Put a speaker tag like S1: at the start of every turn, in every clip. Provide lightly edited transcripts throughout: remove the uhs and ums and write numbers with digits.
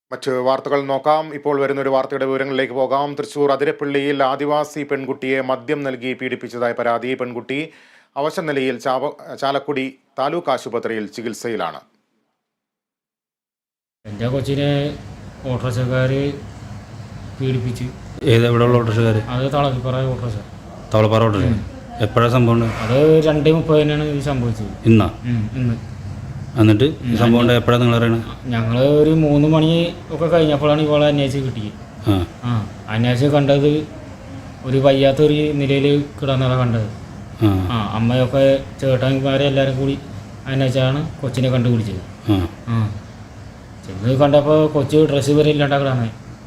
S1: മറ്റ് വാർത്തകൾ നോക്കാം. ഇപ്പോൾ വരുന്നൊരു വാർത്തയുടെ വിവരങ്ങളിലേക്ക് പോകാം. തൃശൂർ അതിരപ്പള്ളിയിൽ ആദിവാസി പെൺകുട്ടിയെ മദ്യം നൽകി പീഡിപ്പിച്ചതായ പരാതി. പെൺകുട്ടി അവശ നിലയിൽ ചാലക്കുടി താലൂക്ക് ആശുപത്രിയിൽ ചികിത്സയിലാണ്.
S2: എൻ്റെ കൊച്ചിനെ ഓട്ടോറിക്ഷക്കാർ പീഡിപ്പിച്ച്.
S3: എവിടെയുള്ള ഓട്ടോറിക്ഷക്കാർ?
S2: അത് തളപ്പാറ ഓട്ടോറിക്ഷ.
S3: തളപ്പാറ ഓട്ടോറിക്ഷ. എപ്പോഴാണ് സംഭവം?
S2: അത് 2:30 ഇത് സംഭവിച്ചത്.
S3: ഇന്നാ?
S2: ഇന്ന്.
S3: എന്നിട്ട് സംഭവം എപ്പോഴാണ് നിങ്ങൾ അറിയണത്?
S2: ഞങ്ങൾ ഒരു 3 മണി ഒക്കെ കഴിഞ്ഞപ്പോഴാണ് ഇവളെ അന്വേഷിച്ച് കിട്ടിയത്. അന്വേഷിച്ച് കണ്ടത് ഒരു വയ്യാത്തൊരു നിലയിൽ കിടന്നതാണ് കണ്ടത്. അമ്മയൊക്കെ ചേട്ടന്മാരെ എല്ലാവരും കൂടി അന്വേഷിച്ചാണ് കൊച്ചിനെ കണ്ടുപിടിച്ചത്. ചെന്ന് കണ്ടപ്പോൾ കൊച്ചു ഡ്രസ്സ് വരെ ഇല്ലാണ്ടാക്കലാണ്.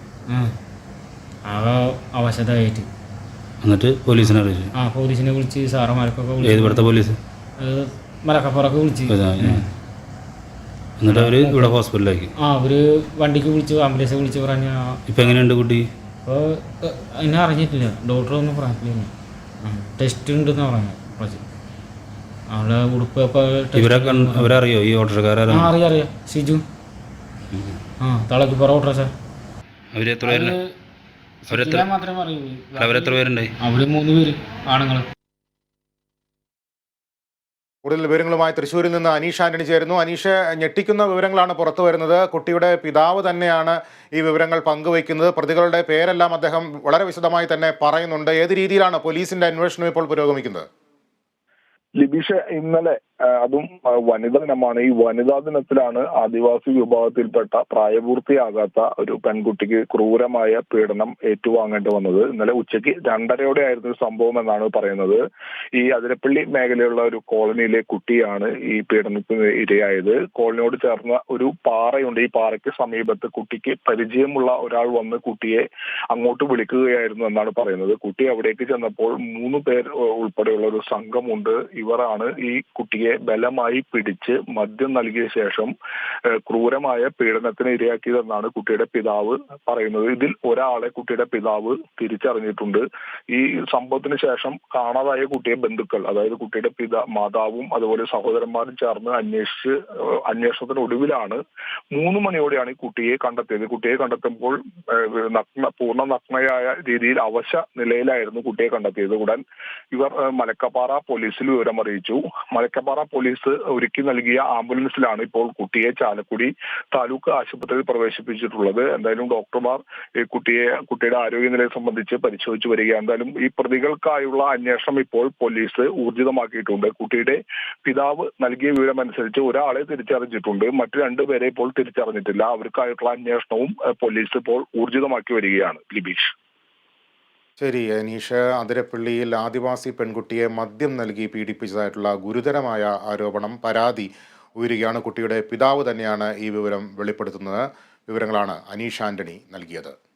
S2: ആകെ അവശതയായിട്ട്.
S3: എന്നിട്ട് പോലീസിനെ അറിയിച്ചു?
S2: പോലീസിനെ വിളിച്ച് സാറന്മാർക്കൊക്കെ വിളിച്ചു.
S3: ഇവിടുത്തെ പോലീസ്?
S2: മലക്കപ്പുറമൊക്കെ വിളിച്ച്.
S3: എന്നിട്ട് അവർ ഇവിടെ ഹോസ്പിറ്റലിലേക്ക്?
S2: അവർ വണ്ടിക്ക് വിളിച്ചു, ആംബുലൻസ് വിളിച്ച് പറഞ്ഞ.
S3: ഇപ്പം എങ്ങനെയുണ്ട് കുട്ടി?
S2: ഇപ്പോൾ എന്നെ അറിഞ്ഞിട്ടില്ല, ഡോക്ടറൊന്നും പറഞ്ഞിട്ടില്ല. ടെസ്റ്റ് ഉണ്ടെന്ന് പറഞ്ഞു. കുറച്ച് അവളെ ഉടുപ്പ്
S3: അവരറിയോ ഈ ഓട്ടോറിക്ഷക്കാരെ?
S2: അറിയാം. ഷിജു തളക്കിപ്പുറ ഓട്ടോറിക്ഷ.
S3: അവരെത്ര
S2: മാത്രമേ അറിയൂ.
S3: അവരെത്ര പേരുണ്ടായി?
S2: അവർ 3 പേര് ആണുങ്ങൾ.
S1: കൂടുതൽ വിവരങ്ങളുമായി തൃശ്ശൂരിൽ നിന്ന് അനീഷ് ആന്റണി ചേരുന്നു. അനീഷ്, ഞെട്ടിക്കുന്ന വിവരങ്ങളാണ് പുറത്തു വരുന്നത്. കുട്ടിയുടെ പിതാവ് തന്നെയാണ് ഈ വിവരങ്ങൾ പങ്കുവയ്ക്കുന്നത്. പ്രതികളുടെ പേരെല്ലാം അദ്ദേഹം വളരെ വിശദമായി തന്നെ പറയുന്നുണ്ട്. ഏത് രീതിയിലാണ് പോലീസിന്റെ അന്വേഷണം ഇപ്പോൾ പുരോഗമിക്കുന്നത്?
S4: ലിബീഷ്, ഇന്നലെ അതും വനിതാ ദിനമാണ്. ഈ വനിതാ ദിനത്തിലാണ് ആദിവാസി വിഭാഗത്തിൽപ്പെട്ട പ്രായപൂർത്തിയാകാത്ത ഒരു പെൺകുട്ടിക്ക് ക്രൂരമായ പീഡനം ഏറ്റുവാങ്ങേണ്ടി വന്നത്. ഇന്നലെ ഉച്ചയ്ക്ക് 2:30 ആയിരുന്നു സംഭവം എന്നാണ് പറയുന്നത്. ഈ അതിരപ്പള്ളി മേഖലയുള്ള ഒരു കോളനിയിലെ കുട്ടിയാണ് ഈ പീഡനത്തിന് ഇരയായത്. കോളനിയോട് ചേർന്ന ഒരു പാറയുണ്ട്. ഈ പാറയ്ക്ക് സമീപത്ത് കുട്ടിക്ക് പരിചയമുള്ള ഒരാൾ വന്ന് കുട്ടിയെ അങ്ങോട്ട് വിളിക്കുകയായിരുന്നു എന്നാണ് പറയുന്നത്. കുട്ടി അവിടേക്ക് ചെന്നപ്പോൾ 3 പേർ ഉൾപ്പെടെയുള്ള ഒരു സംഘമുണ്ട്. ഇവരാണ് ഈ കുട്ടിയെ ബലമായി പിടിച്ച് മദ്യം നൽകിയ ശേഷം ക്രൂരമായ പീഡനത്തിന് ഇരയാക്കിയതെന്നാണ് കുട്ടിയുടെ പിതാവ് പറയുന്നത്. ഇതിൽ ഒരാളെ കുട്ടിയുടെ പിതാവ് തിരിച്ചറിഞ്ഞിട്ടുണ്ട്. ഈ സംഭവത്തിന് ശേഷം കാണാതായ കുട്ടിയെ ബന്ധുക്കൾ, അതായത് കുട്ടിയുടെ മാതാവും അതുപോലെ സഹോദരന്മാരും ചേർന്ന് അന്വേഷണത്തിനൊടുവിലാണ് 3 മണിയോടെയാണ് ഈ കുട്ടിയെ കണ്ടെത്തിയത്. കുട്ടിയെ കണ്ടെത്തുമ്പോൾ പൂർണ്ണ നഗ്നയായ രീതിയിൽ അവശ നിലയിലായിരുന്നു കുട്ടിയെ കണ്ടെത്തിയത്. ഉടൻ ഇവർ മലക്കപ്പാറ പോലീസിൽ വിവരം അറിയിച്ചു. മലക്കപ്പാറ പോലീസ് ഒരുക്കി നൽകിയ ആംബുലൻസിലാണ് ഇപ്പോൾ കുട്ടിയെ ചാലക്കുടി താലൂക്ക് ആശുപത്രിയിൽ പ്രവേശിപ്പിച്ചിട്ടുള്ളത്. എന്തായാലും ഡോക്ടർമാർ കുട്ടിയുടെ ആരോഗ്യനിലയെ സംബന്ധിച്ച് പരിശോധിച്ചു വരികയാണ്. എന്തായാലും ഈ പ്രതികൾക്കായുള്ള അന്വേഷണം ഇപ്പോൾ പോലീസ് ഊർജിതമാക്കിയിട്ടുണ്ട്. കുട്ടിയുടെ പിതാവ് നൽകിയ വിവരമനുസരിച്ച് ഒരാളെ തിരിച്ചറിഞ്ഞിട്ടുണ്ട്, മറ്റു 2 പേരെ ഇപ്പോൾ തിരിച്ചറിഞ്ഞിട്ടില്ല. അവർക്കായിട്ടുള്ള അന്വേഷണവും പോലീസ് ഇപ്പോൾ ഊർജിതമാക്കി വരികയാണ്. ലിബീഷ്.
S1: ശരി അനീഷ്, അതിരപ്പള്ളിയിൽ ആദിവാസി പെൺകുട്ടിയെ മദ്യം നൽകി പീഡിപ്പിച്ചതായിട്ടുള്ള ഗുരുതരമായ പരാതി ഉയരുകയാണ്. കുട്ടിയുടെ പിതാവ് തന്നെയാണ് ഈ വിവരം വെളിപ്പെടുത്തുന്നത്. വിവരങ്ങളാണ് അനീഷ് ആന്റണി നൽകിയത്.